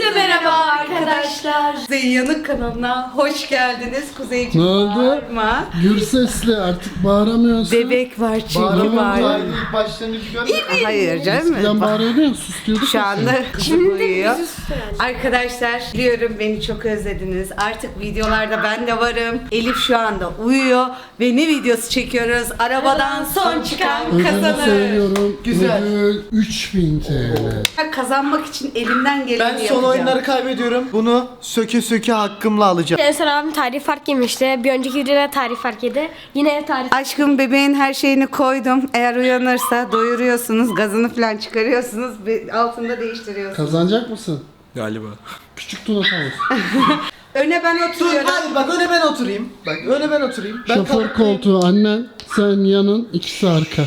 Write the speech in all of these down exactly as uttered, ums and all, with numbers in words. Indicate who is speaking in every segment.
Speaker 1: Herkese merhaba arkadaşlar. Kuzey Yanık kanalına hoş geldiniz. Kuzeyciğim
Speaker 2: Ne oldu?
Speaker 1: bağırma.
Speaker 2: Gür sesli artık bağıramıyorsun.
Speaker 1: Bebek var çünkü
Speaker 2: Bağıramam
Speaker 1: var.
Speaker 2: var.
Speaker 3: İlk başlangıcı görmedim.
Speaker 1: Hayır canım.
Speaker 2: Eskiden bağırıyordu ya, sus diyorduk.
Speaker 1: Şu
Speaker 2: ya
Speaker 1: anda
Speaker 2: sen.
Speaker 1: kızım uyuyor. Arkadaşlar biliyorum beni çok özlediniz. Artık videolarda ben de varım. Elif şu anda uyuyor ve ne videosu çekiyoruz? Arabadan son çıkan
Speaker 2: Ödülü
Speaker 1: kazanır.
Speaker 2: söylüyorum.
Speaker 3: Güzel.
Speaker 2: Ödül üç bin TL.
Speaker 1: Kazanmak için elimden geleni
Speaker 3: Ben
Speaker 1: yapacağım.
Speaker 3: son oyunları kaybediyorum. Bunu söke söke hakkımla alacağım.
Speaker 4: En son abim tarih fark yemişti. Bir önceki videoda tarih fark yedi. Yine tarih.
Speaker 1: Aşkım bebeğin her şeyini koydum. Eğer uyanırsa doyuruyorsunuz, gazını falan çıkarıyorsunuz ve altında değiştiriyorsunuz.
Speaker 2: Kazanacak mısın?
Speaker 5: Galiba.
Speaker 2: Küçük Tuna Tavus.
Speaker 1: Öne ben
Speaker 3: Dur
Speaker 1: oturuyorum.
Speaker 3: hayır bak öne ben oturayım. Bak öne ben oturayım. Ben
Speaker 2: Şoför
Speaker 3: kalkayım.
Speaker 2: koltuğu annen, sen yanın, ikisi arka.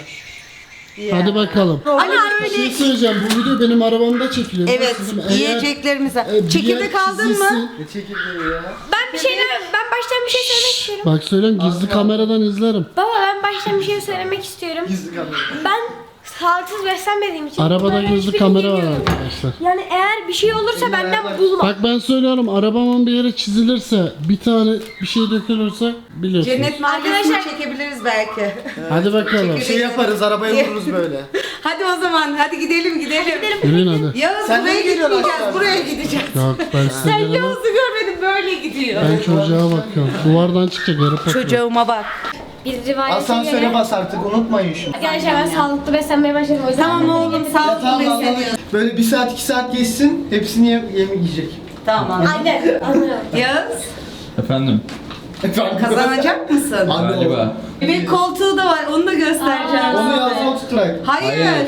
Speaker 2: Hadi bakalım.
Speaker 1: Hani
Speaker 2: Bir şey söyleyeceğim, bu video benim arabamda çekiliyor.
Speaker 1: Evet,
Speaker 2: Sizin eğer,
Speaker 1: yiyeceklerimiz var.
Speaker 2: e, bir
Speaker 1: Çekirdek
Speaker 2: yer
Speaker 1: aldın
Speaker 2: çizilsin-
Speaker 1: mı?
Speaker 3: Ne çekirdeği ya?
Speaker 4: Ben bir şeyler, ben baştan bir şey söylemek istiyorum.
Speaker 2: Bak söyleyeyim, gizli kameradan izlerim.
Speaker 4: Baba ben baştan bir şey söylemek istiyorum.
Speaker 3: Gizli kamera.
Speaker 4: Ben sağlıksız beslenmediğim için.
Speaker 2: Arabada
Speaker 4: böyle
Speaker 2: gizli
Speaker 4: hiçbir
Speaker 2: kamera
Speaker 4: bilgim
Speaker 2: var
Speaker 4: yok.
Speaker 2: arkadaşlar.
Speaker 4: Yani eğer bir şey olursa benden bulma.
Speaker 2: Bak ben söylüyorum, arabamın bir yere çizilirse, bir tane bir şey dökülürse biliyorsunuz.
Speaker 1: Cennet mahallesini
Speaker 4: Arkadaşlar-
Speaker 1: çekebiliriz belki.
Speaker 2: Hadi bakalım.
Speaker 3: Şey yaparız arabaya vururuz böyle.
Speaker 1: Hadi o zaman hadi gidelim gidelim.
Speaker 2: Yürüyün hadi.
Speaker 1: Yağız
Speaker 3: Sen
Speaker 1: buraya
Speaker 3: nereye geliyorsun
Speaker 1: gitmeyeceğiz,
Speaker 3: aşağıda?
Speaker 1: buraya gideceğiz.
Speaker 2: Yok ben size
Speaker 1: Sen
Speaker 2: gelemem.
Speaker 1: Yağız'ı görmedin böyle gidiyor.
Speaker 2: Ben çocuğa bakıyorum. Duvardan çıkacak yarı patron.
Speaker 1: Çocuğuma bak.
Speaker 4: Bir rivayete
Speaker 3: Asansöre
Speaker 4: göre.
Speaker 3: bas artık unutmayın şunu.
Speaker 4: Arkadaşlar ben sağlıklı beslenmeye başladım. O yüzden
Speaker 1: Tamam
Speaker 4: ben de
Speaker 1: oğlum
Speaker 4: yemek-
Speaker 1: sağlıklı
Speaker 3: Tamam
Speaker 1: besleniyorsun.
Speaker 3: Böyle bir saat iki saat geçsin hepsini yem yemi yiyecek.
Speaker 1: Tamam.
Speaker 4: Aynen anlıyorum.
Speaker 1: Yağız
Speaker 5: Efendim?
Speaker 1: kazanacak mısın?
Speaker 3: Anne
Speaker 5: Galiba.
Speaker 1: Bir koltuğu da var onu da göstereceğim.
Speaker 3: Onu yazma tutturak.
Speaker 1: Hayır.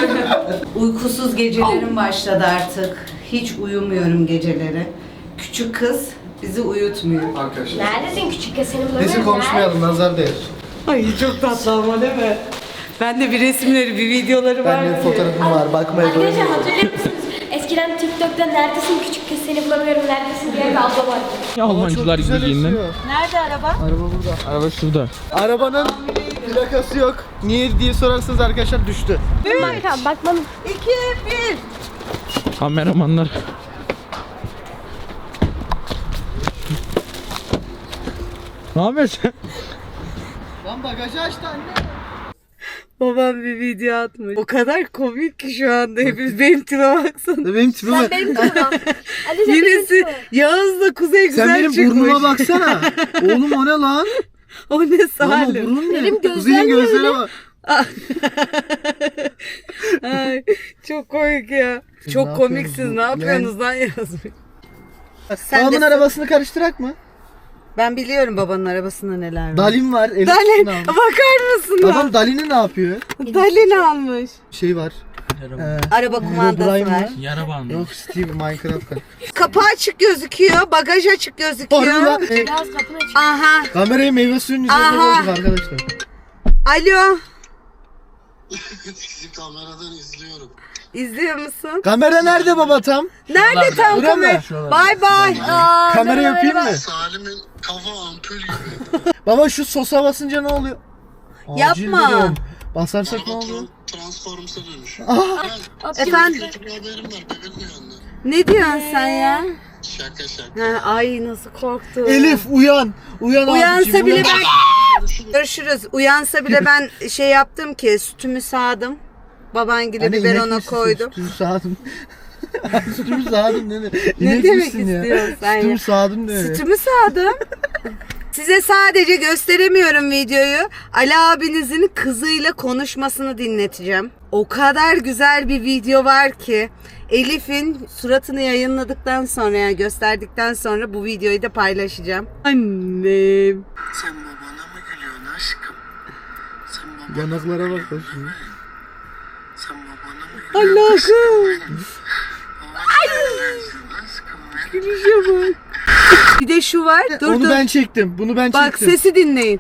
Speaker 1: Uykusuz gecelerim başladı artık. Hiç uyumuyorum geceleri. Küçük kız bizi uyutmuyor.
Speaker 3: Arkadaşlar.
Speaker 4: Neredesin küçük kız seni bulamıyorum.
Speaker 3: Neyse konuşmayalım nazar değer.
Speaker 1: Ay çok tatlı ama değil mi? Ben de bir resimleri, bir videoları var.
Speaker 3: Bende fotoğrafım var bakmaya
Speaker 4: Arkadaşlar
Speaker 3: doymuyorum.
Speaker 4: hatırlıyor musunuz? Eskiden TikTok'ta neredesin küçük kız seni bulamıyorum neredesin diye bir abla vardı.
Speaker 5: Almancılar
Speaker 3: Güzel
Speaker 5: Birliği'nden.
Speaker 3: esiyor.
Speaker 1: Nerede araba?
Speaker 3: Araba burada.
Speaker 5: Araba şurada.
Speaker 3: Arabanın plakası yok. Niye diye sorarsanız arkadaşlar düştü.
Speaker 4: Bakalım bakmam.
Speaker 1: İki, bir.
Speaker 5: Kameramanlar. Ne yapıyorsun?
Speaker 3: Lan bagajı açtı anne.
Speaker 1: Babam bir video atmış. O kadar komik ki şu anda hepimiz. Benim tipe baksana.
Speaker 3: Benim tipime.
Speaker 4: Benim tamam. Ali sen
Speaker 1: Yinesi
Speaker 4: benim
Speaker 1: Yağız'la Kuzey güzel
Speaker 3: Sen benim
Speaker 1: çıkmış.
Speaker 3: burnuma baksana. Oğlum o ne lan?
Speaker 1: O ne
Speaker 3: Lan o
Speaker 1: Salim?
Speaker 3: burun ne?
Speaker 4: Benim gözlerim
Speaker 3: Kuzey'in gözlerine bak.
Speaker 1: Ay, çok komik ya.
Speaker 3: Siz
Speaker 1: Çok
Speaker 3: ne
Speaker 1: komiksiniz.
Speaker 3: yapıyorsunuz?
Speaker 1: Ne yapıyorsunuz lan yazmış. Sen
Speaker 3: Babamın
Speaker 1: de-
Speaker 3: arabasını karıştırak mı?
Speaker 1: Ben biliyorum babanın arabasında neler var.
Speaker 3: Dalin var. Elif
Speaker 1: Dalin.
Speaker 3: ne almış?
Speaker 1: Bakar mısın lan?
Speaker 3: Adam Dalin'i ne yapıyor?
Speaker 1: Dalin almış.
Speaker 3: Şey var. Ee,
Speaker 1: Araba kumandası
Speaker 3: Herobrine
Speaker 1: var.
Speaker 3: var.
Speaker 5: Yara bandı.
Speaker 3: Yok Steve Minecraft var.
Speaker 1: Kapı açık gözüküyor. Bagaj açık
Speaker 3: Orada
Speaker 1: gözüküyor.
Speaker 3: e,
Speaker 4: Biraz kapını aç.
Speaker 1: Aha.
Speaker 3: kamerayı meyve suyunun üzerine
Speaker 1: Aha.
Speaker 3: koyduk arkadaşlar.
Speaker 1: Alo.
Speaker 6: Sizi kameradan izliyorum.
Speaker 1: İzliyor musun?
Speaker 3: Kamera nerede baba tam?
Speaker 1: Nerede tam
Speaker 3: Burada mı?
Speaker 1: kamera? Bay bay.
Speaker 3: Kamera yapayım mı?
Speaker 6: Salim'in kafa ampul gibi.
Speaker 3: Baba şu sosa basınca ne oluyor? Acil
Speaker 1: Yapma.
Speaker 3: durum. Basarsak ne
Speaker 6: Araba
Speaker 3: oluyor?
Speaker 6: tra- Transformers'a dönüşüyor.
Speaker 1: Efendim?
Speaker 6: Kötü bir haberim var. Bebek uyandı.
Speaker 1: Ne diyorsun sen ya?
Speaker 6: Şaka şaka.
Speaker 1: Ha, ay nasıl korktum.
Speaker 3: Elif uyan. Uyan
Speaker 1: Uyansa
Speaker 3: abiciğim,
Speaker 1: bile
Speaker 3: uyan.
Speaker 1: ben... Görüşürüz. Uyansa bile ben şey yaptım ki sütümü sağdım. Babangile
Speaker 3: Anne,
Speaker 1: biber
Speaker 3: inek
Speaker 1: ona
Speaker 3: misin?
Speaker 1: koydum.
Speaker 3: Sütümü sağdım. Sütümü sağdım ne?
Speaker 1: Ne demek istiyorsun sen ya?
Speaker 3: Sütümü sağdım ne?
Speaker 1: Sütümü sağdım. Size sadece gösteremiyorum videoyu. Ali abinizin kızıyla konuşmasını dinleteceğim. O kadar güzel bir video var ki Elif'in suratını yayınladıktan sonra yani gösterdikten sonra bu videoyu da paylaşacağım. Annem.
Speaker 6: Sen babana mı gülüyorsun aşkım? Sen babana,
Speaker 3: Yanaklara bak da şunu.
Speaker 6: sen babana mı gülüyorsun?
Speaker 1: Allah'ım.
Speaker 6: Babana gülüyorsun aşkım benim.
Speaker 1: Gülüşe bak. Bir de şu var. Dur
Speaker 3: Onu
Speaker 1: dur.
Speaker 3: ben çektim. Bunu ben
Speaker 1: Bak
Speaker 3: çektim.
Speaker 1: sesi dinleyin.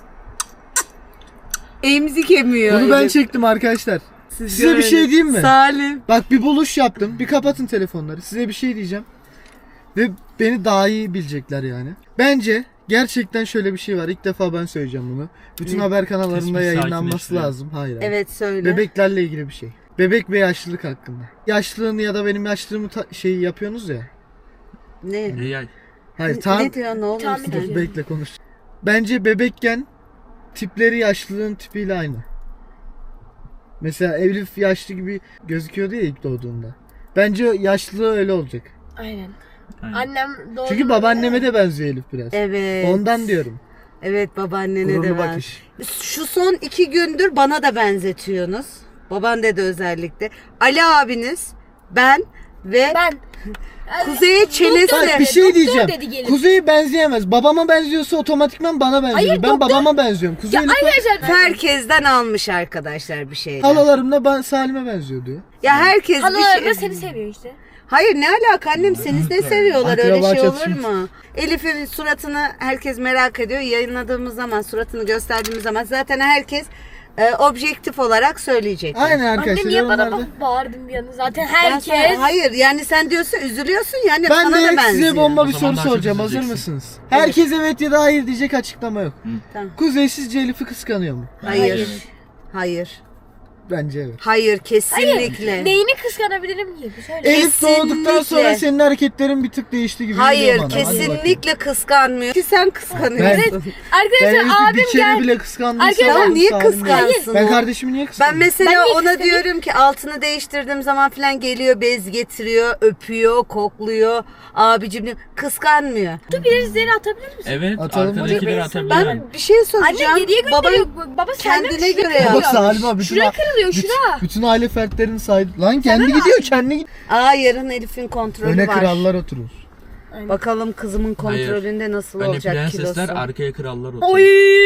Speaker 1: Emzik emiyor.
Speaker 3: Bunu ben
Speaker 1: Elif.
Speaker 3: çektim arkadaşlar.
Speaker 1: Siz
Speaker 3: Size bir
Speaker 1: görün.
Speaker 3: şey diyeyim mi?
Speaker 1: Salim.
Speaker 3: Bak bir buluş yaptım. Bir kapatın telefonları. Size bir şey diyeceğim. Ve beni daha iyi bilecekler yani. Bence gerçekten şöyle bir şey var. İlk defa ben söyleyeceğim bunu. Bütün haber kanallarında
Speaker 5: Tespih
Speaker 3: yayınlanması
Speaker 5: sakinleştiriyor.
Speaker 3: lazım. Hayır. hayır.
Speaker 1: Evet söyle.
Speaker 3: Bebeklerle ilgili bir şey. Bebek ve yaşlılık hakkında. Yaşlılığını ya da benim yaşlılığımı ta- şey yapıyorsunuz ya.
Speaker 1: Ne?
Speaker 5: Ne yay?
Speaker 3: Hayır tam
Speaker 1: Ne diyor ne olur
Speaker 4: Tahmin
Speaker 1: sen?
Speaker 4: ediyorum.
Speaker 3: bekle konuş. Bence bebekken tipleri yaşlılığın tipiyle aynı. Mesela Elif yaşlı gibi gözüküyordu ya ilk doğduğunda. Bence yaşlılığı öyle olacak.
Speaker 4: Aynen.
Speaker 5: Aynen.
Speaker 4: Annem doğdu.
Speaker 3: Çünkü babaanneme de benziyor Elif biraz.
Speaker 1: Evet.
Speaker 3: Ondan diyorum.
Speaker 1: Evet babaannene
Speaker 3: Gururlu
Speaker 1: de ben.
Speaker 3: bakış.
Speaker 1: Şu son iki gündür bana da benzetiyorsunuz. Baban dedi özellikle. Ali abiniz, ben ve
Speaker 4: Ben.
Speaker 1: Kuzey'e çenesi.
Speaker 3: Bak bir
Speaker 4: Doktor
Speaker 3: şey diyeceğim.
Speaker 4: dedi gelip.
Speaker 3: Kuzey'e benzeyemez. Babama benziyorsa otomatikman bana benziyor.
Speaker 4: Hayır,
Speaker 3: ben
Speaker 4: doktor-
Speaker 3: babama benziyorum. Kuzey
Speaker 4: Ya
Speaker 3: Elif'e-
Speaker 4: arkadaşlar.
Speaker 1: Herkesten almış arkadaşlar bir şeyler.
Speaker 3: Halalarımla ben Salim'e benziyor diyor.
Speaker 1: Ya herkes bir
Speaker 4: Halalar
Speaker 1: şey...
Speaker 4: da seni seviyor işte.
Speaker 1: Hayır ne alaka annem seni ne seviyorlar öyle
Speaker 3: Akraba
Speaker 1: şey olur
Speaker 3: çatışması.
Speaker 1: mu? Elif'in suratını herkes merak ediyor. Yayınladığımız zaman suratını gösterdiğimiz zaman zaten herkes e, objektif olarak söyleyecek.
Speaker 3: Aynen
Speaker 4: Anne
Speaker 3: arkadaşlar.
Speaker 4: niye bana
Speaker 3: yorumlarda.
Speaker 4: bak bağırdın bir yana zaten
Speaker 1: Ben
Speaker 4: herkes.
Speaker 1: sana- hayır yani sen diyorsun üzülüyorsun yani
Speaker 3: Ben
Speaker 1: sana da
Speaker 3: de
Speaker 1: benziyor.
Speaker 3: size bomba
Speaker 5: O
Speaker 3: bir
Speaker 5: zaman
Speaker 3: soru
Speaker 5: daha çok
Speaker 3: soracağım. Hazır
Speaker 5: üzüleceksin.
Speaker 3: mısınız? Herkes evet ya da hayır diyecek, açıklama yok.
Speaker 1: Tamam.
Speaker 3: Kuzey sizce Elif'i kıskanıyor mu?
Speaker 1: Hayır. Hayır.
Speaker 3: Bence evet.
Speaker 1: Hayır kesinlikle.
Speaker 4: Neyini kıskanabilirim ki? Söyle.
Speaker 3: Elif doğduktan sonra
Speaker 1: Kesinlikle.
Speaker 3: senin hareketlerin bir tık değişti gibi
Speaker 1: Hayır
Speaker 3: geliyor bana. Hadi bakayım.
Speaker 1: kesinlikle kıskanmıyor. Ki sen kıskanıyorsun.
Speaker 3: Ben
Speaker 4: Arkadaşlar
Speaker 3: Elif'i
Speaker 4: abim
Speaker 3: bir kere
Speaker 4: gel.
Speaker 3: bile kıskandıysam
Speaker 4: Arkadaşlar,
Speaker 1: Tamam niye
Speaker 3: Salim değil.
Speaker 1: kıskansın?
Speaker 3: Ben
Speaker 1: o?
Speaker 3: kardeşimi niye
Speaker 1: Ben
Speaker 3: kıskandım?
Speaker 1: mesela
Speaker 4: Ben niye
Speaker 1: ona
Speaker 4: kıskanayım?
Speaker 1: diyorum ki altını değiştirdiğim zaman falan geliyor bez getiriyor, öpüyor, kokluyor. Abicim diyor, kıskanmıyor.
Speaker 4: Bir izleri atabilir misin?
Speaker 5: Evet,
Speaker 3: Atalım.
Speaker 5: arkadakileri atabilirim.
Speaker 1: Ben bir şey soracağım.
Speaker 4: Anne geriye
Speaker 1: Baba
Speaker 4: gönderiyor. Baba senden
Speaker 1: kendine
Speaker 4: şuraya
Speaker 1: göre
Speaker 4: kırılıyor.
Speaker 3: Bak Salim abi bütün,
Speaker 4: Şuraya kırılıyor
Speaker 3: bütün,
Speaker 4: şura.
Speaker 3: bütün aile fertlerini saydı. Lan kendi gidiyor kendi gidiyor.
Speaker 1: Aa yarın Elif'in kontrolü
Speaker 3: Öne
Speaker 1: var.
Speaker 3: krallar oturur.
Speaker 1: Bakalım kızımın kontrolünde nasıl
Speaker 5: Hani
Speaker 1: olacak
Speaker 5: prensesler
Speaker 1: kilosu.
Speaker 5: arkaya krallar oturuyor.
Speaker 4: Oy.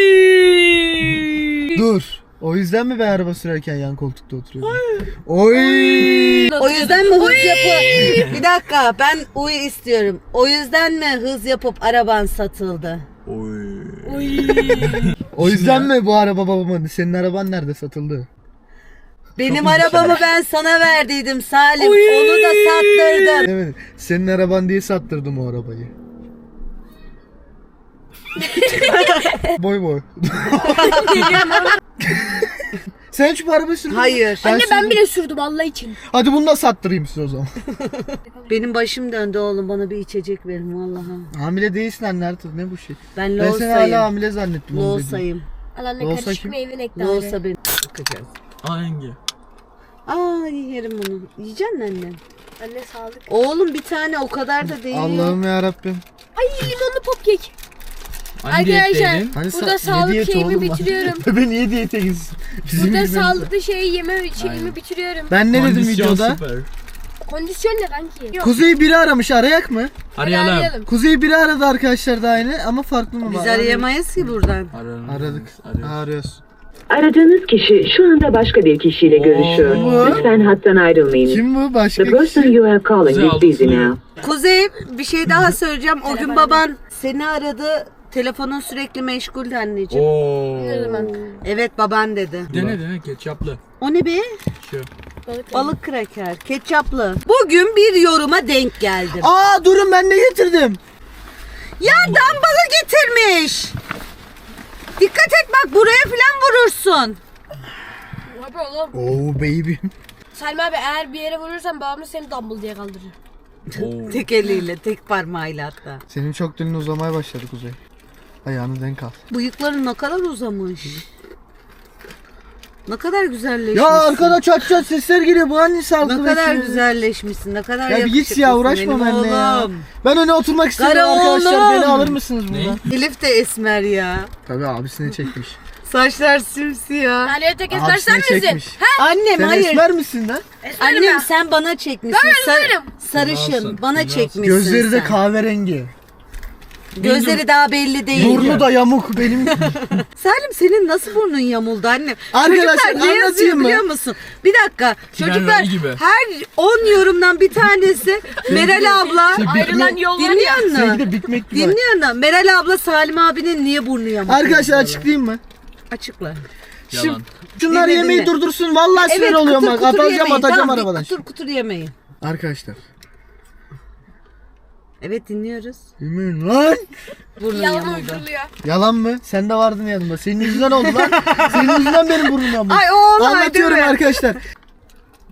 Speaker 3: Dur. O yüzden mi ben araba sürerken yan koltukta oturuyorum? Oy.
Speaker 1: O yüzden mi hız yapıp... Bir dakika ben uy istiyorum. O yüzden mi hız yapıp araban satıldı?
Speaker 5: Oy.
Speaker 3: O yüzden mi bu araba babamın? Senin araban nerede satıldı?
Speaker 1: Benim arabamı ben sana verdiydim Salim. Onu da sattırdın.
Speaker 3: Evet. Senin araban diye sattırdım o arabayı. boy boy. Sen hiç bu arabayı sürdün mü?
Speaker 1: Hayır.
Speaker 4: Anne ben
Speaker 3: sürdüm.
Speaker 4: bile sürdüm Allah için.
Speaker 3: Hadi bunu da sattırayım size o zaman.
Speaker 1: Benim başım döndü oğlum bana bir içecek verin vallahi.
Speaker 3: Hamile değilsin anne artık ne bu şey?
Speaker 1: Ben
Speaker 3: Ben seni hala
Speaker 1: Loğusa'yım.
Speaker 3: hamile zannettim. onu dediğin.
Speaker 1: Loğusa'yım.
Speaker 4: Al anne
Speaker 3: Olsa
Speaker 4: karışık
Speaker 3: kim?
Speaker 4: meyve nektarı.
Speaker 1: Loğusa beni bakacağız.
Speaker 5: Hangi?
Speaker 1: Aa yerim bunu. Yiyeceksin anne.
Speaker 4: Anne sağlık.
Speaker 1: Oğlum bir tane o kadar da değil.
Speaker 3: Allah'ım ya Rabbim.
Speaker 4: Ay limonlu popkek.
Speaker 5: Hangi
Speaker 4: Arkadaşlar
Speaker 5: diyetteydin?
Speaker 3: Hani
Speaker 4: burada
Speaker 3: sa-
Speaker 4: sağlık
Speaker 3: ne diyeti
Speaker 4: şeyimi
Speaker 3: oğlum lan?
Speaker 4: bitiriyorum.
Speaker 3: Bebe niye diyete gitsin? Bizim
Speaker 4: Burada
Speaker 3: gibi-
Speaker 4: sağlıklı şeyi yeme şeyimi
Speaker 5: Aynen.
Speaker 4: bitiriyorum.
Speaker 3: Ben ne dedim
Speaker 5: Kondisyon
Speaker 3: videoda?
Speaker 5: süper.
Speaker 4: Kondisyon ne kanki? Yok.
Speaker 3: Kuzey biri aramış, arayak mı?
Speaker 5: Arayalım.
Speaker 3: Kuzey biri aradı arkadaşlar da aynı ama farklı mı?
Speaker 1: Biz
Speaker 3: var?
Speaker 1: arayamayız ki buradan.
Speaker 5: Ararım.
Speaker 3: Aradık.
Speaker 5: Arıyoruz.
Speaker 3: Ha, arıyoruz.
Speaker 7: Aradığınız kişi şu anda başka bir kişiyle görüşüyor.
Speaker 3: Oo.
Speaker 7: Lütfen hattan ayrılmayın.
Speaker 3: Kim bu? Başka
Speaker 7: The person
Speaker 3: kişi.
Speaker 7: you are calling
Speaker 5: Güzel
Speaker 7: is busy
Speaker 5: oldu.
Speaker 7: now.
Speaker 1: Kuzey bir şey daha söyleyeceğim. O gün baban seni aradı. Telefonun sürekli meşguldü anneciğim.
Speaker 5: Oo.
Speaker 4: Ne zaman?
Speaker 1: Evet baban dedi.
Speaker 5: Dene dene ketçaplı.
Speaker 1: O ne be?
Speaker 5: Şu.
Speaker 4: Balık.
Speaker 1: Balık kraker, ketçaplı. Bugün bir yoruma denk geldim.
Speaker 3: Aa durun ben ne getirdim?
Speaker 1: Ya dambalı getirmiş. Dikkat et bak buraya falan vurursun.
Speaker 4: Abi oğlum.
Speaker 3: Oh baby.
Speaker 4: Salim abi eğer bir yere vurursan babamız seni dumbbell diye kaldırır.
Speaker 5: Oo.
Speaker 1: Tek eliyle, tek parmağıyla hatta.
Speaker 3: Senin çok dilin uzamaya başladı Kuzey. Ayağını denk al.
Speaker 1: Bıyıkların ne kadar uzamış. Ne kadar güzelleşmişsin.
Speaker 3: Ya arkada çat çat sesler geliyor. Bu hangisi sağlıklı
Speaker 1: Ne kadar
Speaker 3: besliyor?
Speaker 1: güzelleşmişsin, ne kadar
Speaker 3: Ya bir
Speaker 1: yakışıklısın
Speaker 3: git ya uğraşma
Speaker 1: benim
Speaker 3: benimle ya.
Speaker 1: oğlum.
Speaker 3: Ben öne oturmak istiyorum
Speaker 1: Kara
Speaker 3: arkadaşlar.
Speaker 1: oğlum.
Speaker 3: Beni alır mısınız buradan?
Speaker 1: Elif de esmer ya.
Speaker 3: Tabii abisine çekmiş.
Speaker 1: Saçlar simsiyah.
Speaker 4: Yani tek ezber sen
Speaker 3: Abisine
Speaker 4: misin?
Speaker 3: çekmiş.
Speaker 1: Annem
Speaker 3: Sen
Speaker 1: hayır.
Speaker 3: esmer misin lan?
Speaker 1: Annem
Speaker 4: ben.
Speaker 1: sen bana çekmişsin.
Speaker 4: Ben
Speaker 1: Sar-
Speaker 4: esmerim.
Speaker 1: sarışın.
Speaker 5: Nasılsın?
Speaker 1: Bana
Speaker 5: Nasılsın?
Speaker 1: çekmişsin
Speaker 3: Gözleri de
Speaker 1: sen.
Speaker 3: kahverengi.
Speaker 1: Gözleri daha belli değil.
Speaker 3: Burnu da yamuk benim.
Speaker 1: Salim senin nasıl burnun yamuldu annem?
Speaker 3: Arkadaşlar,
Speaker 1: Çocuklar ne yazıyor
Speaker 3: anlatayım mı?
Speaker 1: biliyor musun? Bir dakika.
Speaker 5: Tren
Speaker 1: Çocuklar
Speaker 5: rayı gibi.
Speaker 1: her on yorumdan bir tanesi Meral abla.
Speaker 3: Şey,
Speaker 4: Ayrılan yol var ya.
Speaker 1: Dinliyor musun?
Speaker 3: Sevgili Big Mac gibi. var.
Speaker 1: Dinliyor musun? Meral abla Salim abinin niye burnu yamuk?
Speaker 3: Arkadaşlar
Speaker 1: diyorlar.
Speaker 3: açıklayayım mı?
Speaker 1: Açıkla.
Speaker 5: Yalan.
Speaker 3: Şunlar
Speaker 1: Dinle,
Speaker 3: yemeği
Speaker 1: dinle.
Speaker 3: durdursun. Vallahi sinir oluyorum bak. Atacağım
Speaker 1: yemeyin.
Speaker 3: atacağım
Speaker 1: Tamam, bir
Speaker 3: arabadan.
Speaker 1: Kutur kutur yemeyin.
Speaker 3: Arkadaşlar.
Speaker 1: Evet dinliyoruz.
Speaker 3: Yemin lan.
Speaker 1: Burnun
Speaker 4: Yalan
Speaker 1: yamuldu.
Speaker 4: uyduruluyor.
Speaker 3: Yalan mı? Sen de vardın yanımda. Senin yüzünden oldu lan. Senin yüzünden benim burnum yamuldu.
Speaker 1: Ay o olay değil
Speaker 3: Anlatıyorum
Speaker 1: mi?
Speaker 3: arkadaşlar.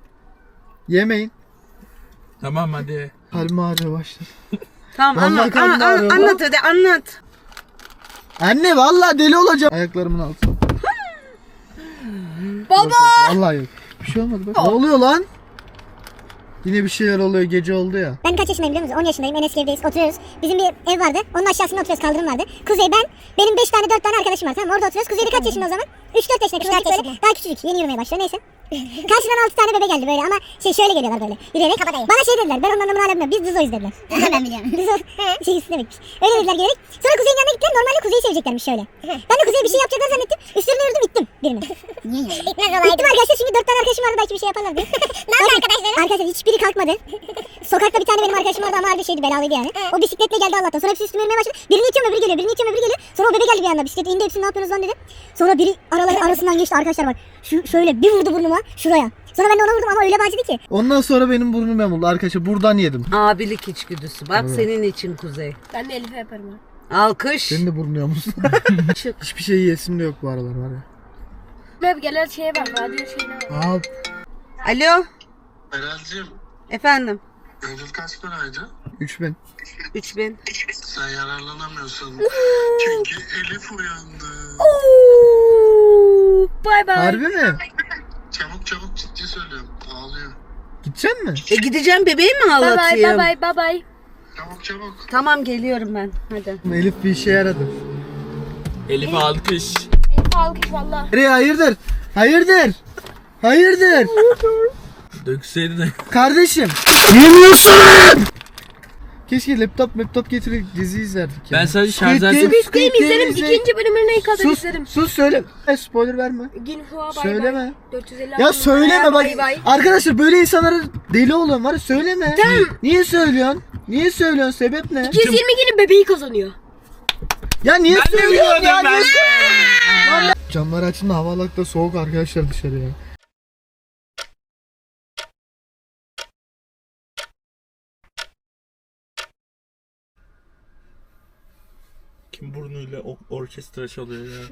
Speaker 3: Yemeyin.
Speaker 5: Tamam hadi.
Speaker 3: Kalbim ağrıyor başladı.
Speaker 1: Tamam
Speaker 3: Vallahi
Speaker 1: anlat,
Speaker 3: karnım
Speaker 1: an- an-
Speaker 3: ağrıyor.
Speaker 1: anlat hadi anlat.
Speaker 3: Anne vallahi deli olacağım. Ayaklarımın altına. Baba! Vallahi yok. Bir şey olmadı bak. Ne oluyor lan? Yine bir şeyler oluyor, gece oldu ya.
Speaker 8: Ben kaç yaşındayım biliyor musun? on yaşındayım. En eski evdeyiz. Oturuyoruz. Bizim bir ev vardı. Onun aşağısında oturuyoruz. Kaldırım vardı. Kuzey, ben, benim beş tane dört tane arkadaşım var. Tamam mı? Orada oturuyoruz. Kuzey de kaç yaşında o zaman? üç dört yaşında. Kuzey böyle daha küçücük. Yeni yürümeye başlıyor. Neyse. Karşıdan altı tane bebe geldi böyle ama şey şöyle geliyorlar böyle. Yürüyerek. Bana şey dediler. Ben onun anlamını hala bilmiyorum. Biz Dizo'yuz dediler. Ben biliyorum. Dizo şey istemekmiş. Öyle dediler gelerek. Sonra Kuzey'in yanına gittiler. Normalde Kuzey'i seveceklermiş şöyle. Ben de Kuzey'e bir şey yapacaklar zannettim. Üstlerine yürüdüm ittim birini. Niye? İtmez olaydı. İttim arkadaşlar çünkü dört tane arkadaşım vardı. Belki bir şey yaparlar diye. Ne yaptı arkadaşlar? Arkadaşlar hiçbiri kalkmadı. Sokakta bir tane benim arkadaşım vardı ama harbi şeydi, belalıydı yani. O bisikletle geldi Allah'tan. Sonra hepsi üstüme yürümeye başladı. Birini itiyorum öbürü geliyor. Birini itiyorum öbürü geliyor. Sonra o bebe geldi bir anda. Bisiklet indi, hepsini ne yapıyorsunuz lan dedi. Sonra biri araları arasından geçti arkadaşlar bak. Şu şöyle bir vurdu burnuma şuraya. Sonra ben de ona vurdum ama öyle acıdı ki.
Speaker 3: Ondan sonra benim burnum yamuldu arkadaşlar. Buradan yedim.
Speaker 1: Abilik içgüdüsü. Bak
Speaker 3: Evet.
Speaker 1: senin için Kuzey.
Speaker 4: Ben de Elif'e yaparım ha.
Speaker 1: Alkış.
Speaker 3: Senin de burnun yamuldu. Hiçbir şey yiyesim de yok bu aralar var ya.
Speaker 4: Hep gelen şeye bak. Radyo şeyine bak.
Speaker 3: Al.
Speaker 1: Alo.
Speaker 6: Meral'cim,
Speaker 1: Efendim.
Speaker 6: Eylül kaç paraydı?
Speaker 3: üç bin.
Speaker 1: üç bin.
Speaker 6: Sen yararlanamıyorsun. Çünkü Elif uyandı.
Speaker 4: Bay bay.
Speaker 3: Harbi mi?
Speaker 6: Çabuk çabuk, ciddi söylüyorum. Ağlıyor.
Speaker 3: Gidecek mi?
Speaker 1: E gideceğim, bebeği mi
Speaker 4: Bay bay
Speaker 1: ağlatayım?
Speaker 4: bay bay bay bay.
Speaker 6: Çabuk çabuk.
Speaker 1: Tamam geliyorum ben. Hadi.
Speaker 3: Elif bir işe yaradı.
Speaker 5: Elif alkış.
Speaker 4: Elif alkış valla.
Speaker 3: Nereye hayırdır? Hayırdır? Hayırdır?
Speaker 5: Dökseydi de.
Speaker 3: Kardeşim. Yemiyorsun. Keşke laptop laptop getirip dizi izlerdik ya.
Speaker 5: Ben sadece
Speaker 3: Squid
Speaker 5: şarj
Speaker 3: Game,
Speaker 5: ederim.
Speaker 3: Squid
Speaker 4: Squid Game izlerim.
Speaker 3: izle-
Speaker 4: İkinci bölümünü ilk kadar
Speaker 3: Sus,
Speaker 4: izlerim.
Speaker 3: sus söyle. E, spoiler verme.
Speaker 4: Ginhua bay
Speaker 3: Söyleme.
Speaker 4: bay. dört yüz elli
Speaker 3: Ya
Speaker 4: altı
Speaker 3: söyleme bak.
Speaker 4: bay bay.
Speaker 3: Arkadaşlar böyle insanlara deli oluyorum var ya, söyleme. Niye söylüyorsun? Niye söylüyorsun? Sebep ne?
Speaker 4: iki yüz yirmi günün bebeği kazanıyor.
Speaker 3: Ya niye
Speaker 5: Ben de
Speaker 3: söylüyorsun ya?
Speaker 5: biliyordum ben.
Speaker 3: Niye söylüyorsun? Lan- Camları açın da havalıkta soğuk arkadaşlar dışarı ya.
Speaker 5: Kim burnuyla o- orkestra çalıyor ya?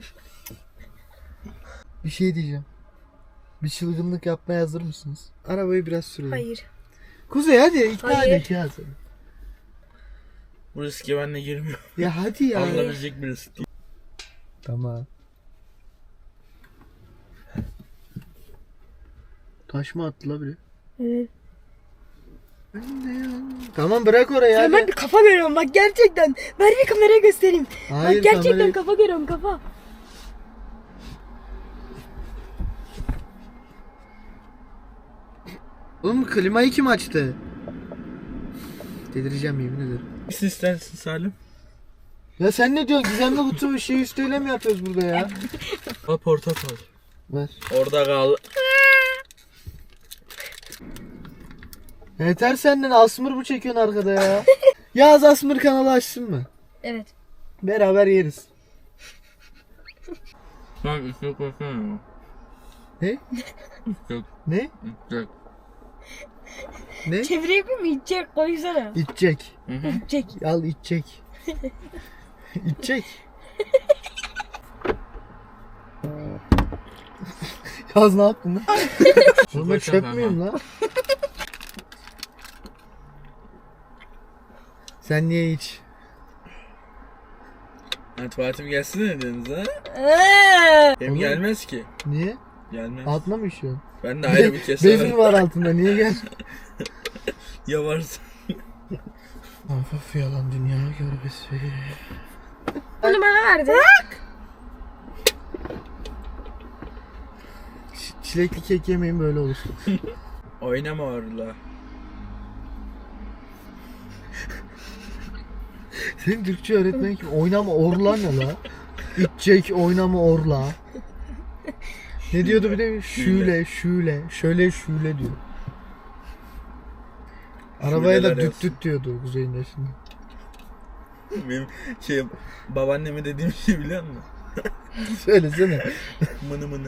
Speaker 3: Bir şey diyeceğim. Bir çılgınlık yapmaya hazır mısınız? Arabayı biraz sürelim.
Speaker 4: Hayır.
Speaker 3: Kuzey hadi ikna
Speaker 4: Hayır.
Speaker 3: edin ya seni.
Speaker 5: Bu riske ben de girmiyorum.
Speaker 3: Ya hadi ya.
Speaker 5: Alınabilecek bir risk değil.
Speaker 3: Tamam. Taş mı attı la biri?
Speaker 4: Evet.
Speaker 3: Tamam bırak orayı hadi.
Speaker 4: Ben bir kafa görüyorum bak gerçekten. Ver bir kameraya göstereyim.
Speaker 3: Hayır,
Speaker 4: bak gerçekten
Speaker 3: kamerayı-
Speaker 4: kafa görüyorum kafa.
Speaker 3: Oğlum klimayı kim açtı? Delireceğim yemin ederim.
Speaker 5: Nasıl istersin Salim?
Speaker 3: Ya sen ne diyorsun? Gizemli kutu şey üsteyle mi yapıyoruz burada ya?
Speaker 5: Al portakal.
Speaker 3: Ver.
Speaker 5: Orada kal.
Speaker 3: Yeter senden, Asmır mı çekiyorsun arkada ya? Yaz Asmır kanalı açsın mı?
Speaker 4: Evet.
Speaker 3: Beraber yeriz.
Speaker 5: Sen üstüne koysana.
Speaker 3: Ne?
Speaker 5: Yok.
Speaker 3: Ne?
Speaker 5: Yok.
Speaker 3: Ne?
Speaker 4: Çevre yapayım mı? İçecek koysana.
Speaker 3: İçecek.
Speaker 4: İçecek.
Speaker 3: Al içecek. İçecek. Yaz ne yaptın lan? Oğlum ben çöp müyüm lan? Sen niye iç?
Speaker 5: Ha, tuvaletim gelsin dediniz ha?
Speaker 4: Eee.
Speaker 5: Benim
Speaker 3: Oğlum.
Speaker 5: gelmez ki.
Speaker 3: Niye?
Speaker 5: Gelmez.
Speaker 3: Altına mı işiyorsun?
Speaker 5: Ben de ayrı bir
Speaker 3: Bezin
Speaker 5: keserim.
Speaker 3: var altında, niye gel?
Speaker 5: Ya varsa.
Speaker 3: Of of yalan dünya görbesi.
Speaker 4: Bunu bana verdi.
Speaker 3: Ç- Çilekli kek yemeyin böyle olur.
Speaker 5: Oynama orla.
Speaker 3: Senin Türkçe öğretmen kim? Oynama orla ne la? İçecek oynama orla. Ne diyordu bir de? Şöyle şöyle şöyle şöyle diyor. Arabaya da
Speaker 5: Şuleler
Speaker 3: düt
Speaker 5: yazsın.
Speaker 3: düt diyordu Kuzey'in yaşında.
Speaker 5: Benim şey babaanneme dediğim şey biliyor musun?
Speaker 3: Söylesene.
Speaker 5: Mını mını.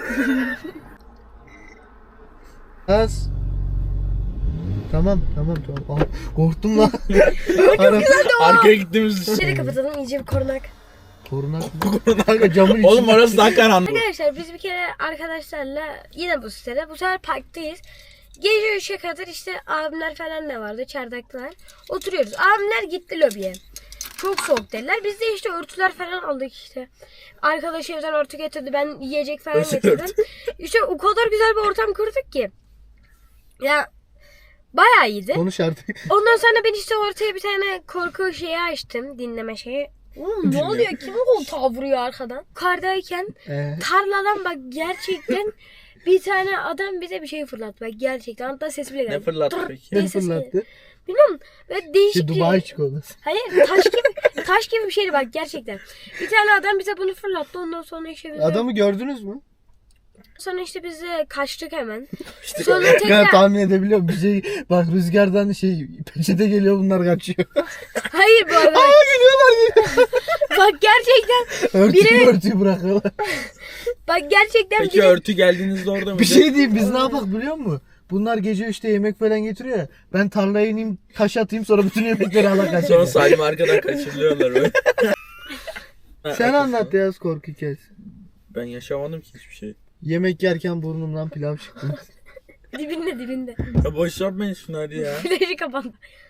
Speaker 3: Az. Tamam tamam tamam. Ah, korktum lan. Ara-
Speaker 5: Arkaya gittiğimiz
Speaker 4: Şöyle kapatalım iyice bir korunak.
Speaker 3: Korunak mı? Kanka camın içinde.
Speaker 5: Oğlum orası daha karanlık.
Speaker 4: Arkadaşlar biz bir kere arkadaşlarla yine bu sitede bu sefer parktayız. Gece üçe kadar işte abimler falan da vardı, çardaklar. Oturuyoruz. Abimler gitti lobiye. Çok soğuk dediler. Biz de işte örtüler falan aldık işte. Arkadaş evden örtü getirdi. Ben yiyecek falan
Speaker 5: Özel
Speaker 4: getirdim.
Speaker 5: örtü.
Speaker 4: İşte o kadar güzel bir ortam kurduk ki. Ya bayağı iyiydi.
Speaker 3: Konuş artık.
Speaker 4: Ondan sonra ben işte ortaya bir tane korku şeyi açtım. Dinleme şeyi. Oğlum ne oluyor? Kim koltuğa vuruyor arkadan? Kardayken
Speaker 3: Ee,
Speaker 4: tarladan bak gerçekten bir tane adam bize bir şey fırlattı. Bak gerçekten. Hatta ses bile geldi.
Speaker 5: Ne fırlattı
Speaker 4: Tırr
Speaker 5: peki?
Speaker 4: diye
Speaker 3: ne
Speaker 4: ses geldi.
Speaker 3: fırlattı?
Speaker 4: Bilmiyorum. Böyle değişik
Speaker 3: Şey,
Speaker 4: bir...
Speaker 3: Dubai çikolatası.
Speaker 4: Hayır taş gibi taş gibi bir şeydi bak gerçekten. Bir tane adam bize bunu fırlattı. Ondan sonra işte biz de,
Speaker 3: Adamı gördünüz mü?
Speaker 4: sonra işte biz de kaçtık hemen. Sonra
Speaker 3: Ben
Speaker 4: tekrar
Speaker 3: tahmin edebiliyorum. Bir şey bak rüzgardan şey peçete geliyor bunlar kaçıyor.
Speaker 4: hayır bu arada.
Speaker 3: Aa geliyorlar geliyor.
Speaker 4: Bak gerçekten
Speaker 3: Örtüyü
Speaker 4: Biri-
Speaker 3: örtüyü bırakıyorlar.
Speaker 4: bak gerçekten
Speaker 5: Peki
Speaker 4: biri-
Speaker 5: örtü geldiğinizde orada mıydı?
Speaker 3: Bir şey diyeyim biz ne yapak biliyor musun? Bunlar gece üçte yemek falan getiriyor ya. Ben tarlaya ineyim taş atayım sonra bütün yemekleri ala
Speaker 5: Sonra
Speaker 3: kaçayım.
Speaker 5: Salim arkadan kaçırılıyorlar böyle. Ha,
Speaker 3: Sen
Speaker 5: arkadaşlar,
Speaker 3: anlat ya korku hikayesi.
Speaker 5: Ben yaşamadım ki hiçbir şey.
Speaker 3: Yemek yerken burnumdan pilav çıktı.
Speaker 4: dibinde dibinde.
Speaker 5: Ya boş yapmayın şunu hadi ya.
Speaker 4: Flaşı kapandı.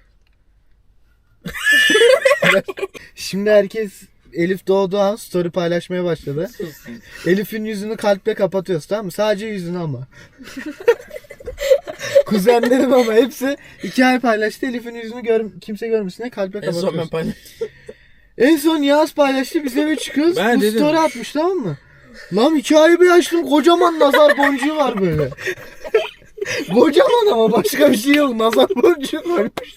Speaker 3: Şimdi herkes Elif doğduğu an story paylaşmaya başladı. Elif'in yüzünü kalple kapatıyoruz tamam mı? Sadece yüzünü ama. Kuzenlerim ama hepsi iki ay paylaştı. Elif'in yüzünü gör kimse görmesin diye kalple
Speaker 5: En son ben
Speaker 3: kapatıyoruz.
Speaker 5: paylaştım.
Speaker 3: En son Yağız paylaştı. Biz eve çıkıyoruz.
Speaker 5: Ben
Speaker 3: Bu
Speaker 5: dedim.
Speaker 3: story atmış tamam mı? Lan iki ay bir açtım. Kocaman nazar boncuğu var böyle. Kocaman ama başka bir şey yok. Nazar boncuğu varmış.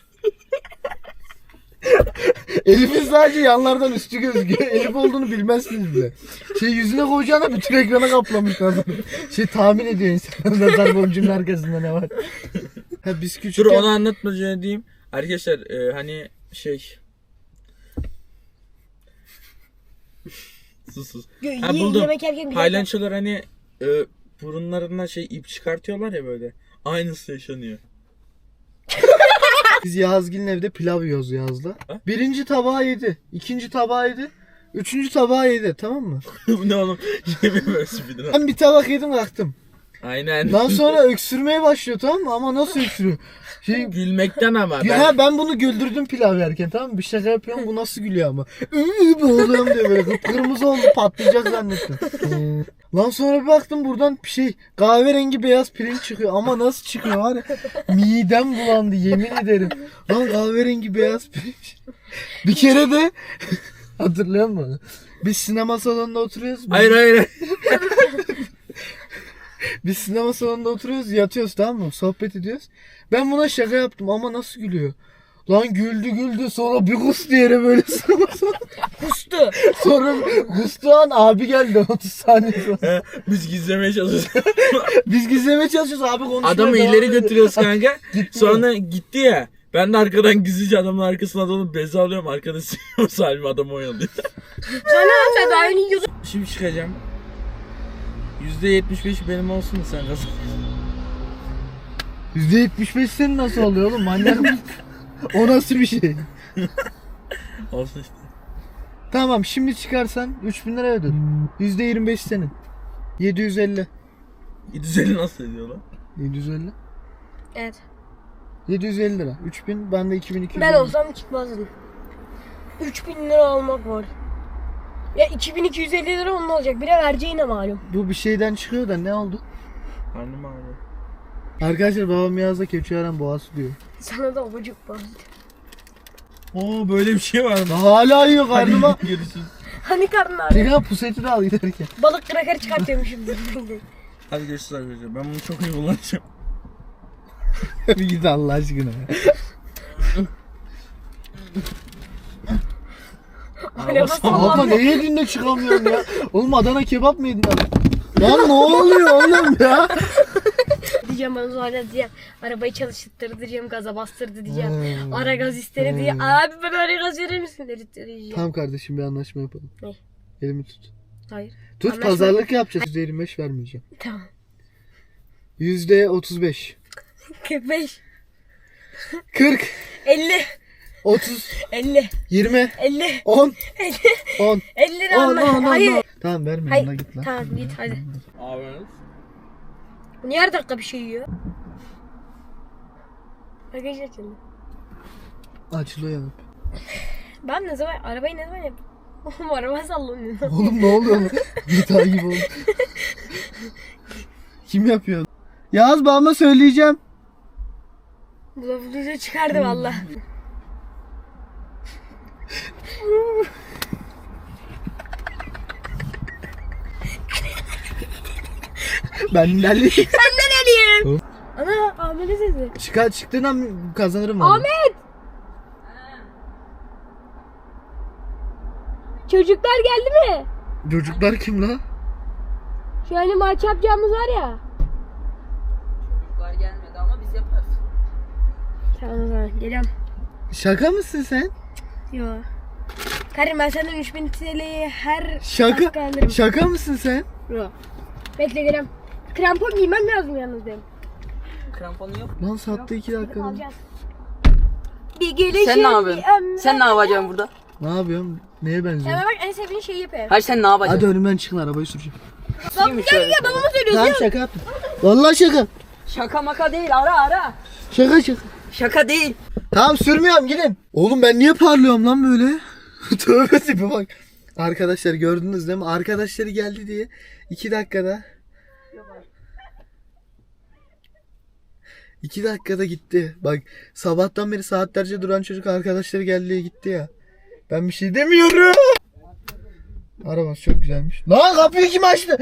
Speaker 3: Elif'in sadece yanlardan üstü gözüküyor. Elif olduğunu bilmezsiniz bile. Şey yüzüne koyacağına bütün ekrana kaplamış nazar. Şey tahmin ediyor insanlar nazar boncuğunun arkasında ne var. Ha, biz
Speaker 5: Dur
Speaker 3: küçükken...
Speaker 5: onu anlatmadan diyeyim. Arkadaşlar e, hani şey... sus sus. Ha,
Speaker 4: Ye-
Speaker 5: buldum.
Speaker 4: Yemek yerken güzel.
Speaker 5: Paylaşıyorlar hani e, burunlarından şey ip çıkartıyorlar ya böyle. Aynısı yaşanıyor.
Speaker 3: Biz Yağızgil'in evde pilav yiyoruz Yağız'la.
Speaker 5: Ha?
Speaker 3: Birinci tabağı yedi. İkinci tabağı yedi. Üçüncü tabağı yedi tamam mı?
Speaker 5: Bu ne oğlum? Şey mi böyle speedrun?
Speaker 3: Ben bir tabak yedim kalktım.
Speaker 5: Aynen.
Speaker 3: Daha sonra öksürmeye başlıyor tamam mı? Ama nasıl öksürüyor? Şey,
Speaker 5: Gülmekten ama. Ben...
Speaker 3: Ha, ben bunu güldürdüm pilav yerken tamam mı? Bir şaka yapıyorum bu nasıl gülüyor ama. Iıı boğuluyorum diye böyle kıpkırmızı oldu patlayacak zannettim. Lan sonra bir baktım buradan bir şey kahverengi beyaz pirinç çıkıyor ama nasıl çıkıyor var ya midem bulandı yemin ederim. Lan kahverengi beyaz pirinç. Bir kere de hatırlıyor musun? Biz sinema salonunda oturuyoruz. Biz,
Speaker 5: Hayır hayır.
Speaker 3: biz sinema salonunda oturuyoruz yatıyoruz tamam mı? Sohbet ediyoruz. Ben buna şaka yaptım ama nasıl gülüyor? Lan güldü güldü sonra bir kustu yere böyle sinema salonunda.
Speaker 4: Kustu.
Speaker 3: Sonra kustu an abi geldi otuz saniye sonra.
Speaker 5: Biz gizlemeye çalışıyoruz.
Speaker 3: Biz gizlemeye çalışıyoruz abi konuşmaya
Speaker 5: Adamı
Speaker 3: devam
Speaker 5: ileri
Speaker 3: ediyor.
Speaker 5: götürüyoruz kanka.
Speaker 3: Gitti.
Speaker 5: Sonra gitti ya. Ben de arkadan gizlice adamın arkasına dalıp bezi alıyorum. Arkada siliyorum Salim adamı oyalıyor.
Speaker 4: Sana sen daha yeni yiyordun.
Speaker 5: Şimdi çıkacağım. yüzde yetmiş beş benim olsun da sen kazan.
Speaker 3: yüzde yetmiş beş senin nasıl oluyor oğlum manyak mısın? O nasıl bir şey?
Speaker 5: Olsun işte.
Speaker 3: Tamam şimdi çıkarsan üç bin lira ödül. yüzde yirmi beş senin. yedi yüz elli.
Speaker 5: yedi yüz elli nasıl ediyor lan?
Speaker 3: yedi yüz elli.
Speaker 4: Evet.
Speaker 3: yedi yüz elli lira. üç bin ben de iki bin iki yüz.
Speaker 4: Ben olsam çıkmazdım. üç bin lira almak var. Ya iki bin iki yüz elli lira onun olacak. Bire vereceğine malum.
Speaker 3: Bu bir şeyden çıkıyor da ne oldu?
Speaker 5: Karnım ağrıyor.
Speaker 3: Arkadaşlar babam yazda Keçiören Boğası diyor.
Speaker 4: Sana da obacık bastı.
Speaker 5: Oo böyle bir şey var mı?
Speaker 3: Hala yiyor karnıma.
Speaker 5: Hadi görüşürüz.
Speaker 4: Hani karnın ağrıyor?
Speaker 3: Tekrar puseti de al giderken.
Speaker 4: Balık kraker çıkartıyormuşum.
Speaker 5: Hadi görüşürüz arkadaşlar. Ben bunu çok iyi kullanacağım.
Speaker 3: Bir git Allah aşkına.
Speaker 4: Araba
Speaker 3: Abla
Speaker 4: sallandı.
Speaker 3: ne yedin de çıkamıyorsun ya? Oğlum Adana kebap mı yedin abi? Lan ne oluyor oğlum ya?
Speaker 4: Diyeceğim bana sonra diyeceğim. Arabayı çalıştırdı diyeceğim. Gaza bastırdı diyeceğim.
Speaker 3: Hmm.
Speaker 4: Ara gaz istedi diye.
Speaker 3: Hmm.
Speaker 4: Abi bana ara gaz verir misin dedi diyeceğim.
Speaker 3: Tamam kardeşim bir anlaşma yapalım.
Speaker 4: Ne?
Speaker 3: Elimi tut.
Speaker 4: Hayır.
Speaker 3: Tut
Speaker 4: Anlaşma.
Speaker 3: pazarlık yapacağız. yüzde yirmi beş vermeyeceğim.
Speaker 4: Tamam.
Speaker 3: yüzde otuz beş.
Speaker 4: kırk beş.
Speaker 3: kırk.
Speaker 4: elli.
Speaker 3: otuz.
Speaker 4: elli.
Speaker 3: yirmi.
Speaker 4: elli.
Speaker 3: on.
Speaker 4: elli.
Speaker 3: on.
Speaker 4: elli lira
Speaker 3: on.
Speaker 4: anla.
Speaker 3: on.
Speaker 4: Hayır.
Speaker 3: on. Tamam verme
Speaker 4: Hayır.
Speaker 3: ona git lan.
Speaker 4: Tamam git hadi.
Speaker 5: Abi.
Speaker 4: Bu niye her dakika bir şey yiyor? Bagaj açıldı.
Speaker 3: Açılıyor yanıp.
Speaker 4: Ben ne zaman arabayı ne zaman yaptım? Oğlum araba sallanıyor.
Speaker 3: Oğlum ne oluyor lan? G T A gibi oldu. Kim yapıyor? Yaz babama söyleyeceğim.
Speaker 4: Bu lafı duyunca çıkardı valla.
Speaker 3: Ben ilerleyeyim.
Speaker 4: Senden eliyim. Ana Ahmet'e sesi.
Speaker 3: Çıkar çıktığından kazanırım ben.
Speaker 4: Ahmet! Çocuklar geldi mi?
Speaker 3: Çocuklar kim la?
Speaker 4: Şu hani maç yapacağımız var ya.
Speaker 9: Çocuklar gelmedi ama biz yaparız.
Speaker 4: Tamam o zaman geliyorum.
Speaker 3: Şaka mısın sen?
Speaker 4: Yo. Karim ben senden üç bin T L'yi her
Speaker 3: Şaka
Speaker 4: dakika alırım.
Speaker 3: şaka mısın sen?
Speaker 4: Yo. Bekle geliyorum. Krampon giymem lazım yalnız benim.
Speaker 9: Kramponu yok.
Speaker 3: Lan sattı iki dakika.
Speaker 4: Alacağız. Bir gelişim.
Speaker 9: Sen ne yapıyorsun?
Speaker 4: bir
Speaker 9: Sen ne yapacaksın burada?
Speaker 3: Ne yapıyorum? Neye benziyor?
Speaker 4: Sen bak en sevdiğin şeyi yapayım.
Speaker 9: Hayır sen ne yapacaksın?
Speaker 3: Hadi önümden çıkın arabayı süreceğim.
Speaker 9: Kimmiş öyle?
Speaker 4: Babama söylüyorsun.
Speaker 3: Tamam şaka yaptım. Vallahi şaka.
Speaker 9: Şaka maka değil ara ara.
Speaker 3: Şaka şaka.
Speaker 9: Şaka değil.
Speaker 3: Tamam sürmüyorum gidin. Oğlum ben niye parlıyorum lan böyle? Tövbe tipi bak. Arkadaşlar gördünüz değil mi? Arkadaşları geldi diye iki dakikada. iki dakikada gitti. Bak sabahtan beri saatlerce duran çocuk arkadaşları geldi diye gitti ya. Ben bir şey demiyorum. Arabası çok güzelmiş. Lan kapıyı kim açtı?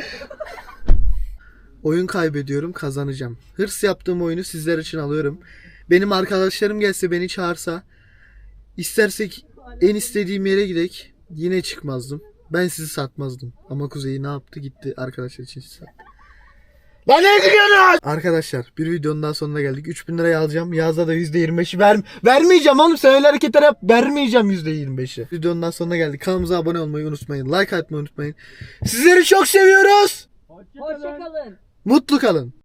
Speaker 3: Oyun kaybediyorum, kazanacağım. Hırs yaptığım oyunu sizler için alıyorum. Benim arkadaşlarım gelse beni çağırsa, istersek en istediğim yere gidek, yine çıkmazdım. Ben sizi satmazdım. Ama Kuzey ne yaptı? Gitti arkadaşlar için sizi sattı. Lan ne gidiyorsunuz? Arkadaşlar bir videonun daha sonuna geldik. üç bin lirayı alacağım. Yazda da yüzde yirmi beşi ver vermeyeceğim oğlum. Sen öyle hareketler yap. Vermeyeceğim yüzde yirmi beşi. Videonun daha sonuna geldik. Kanalımıza abone olmayı unutmayın. Like atmayı unutmayın. Sizleri çok seviyoruz.
Speaker 9: Hoşçakalın.
Speaker 3: Mutlu kalın.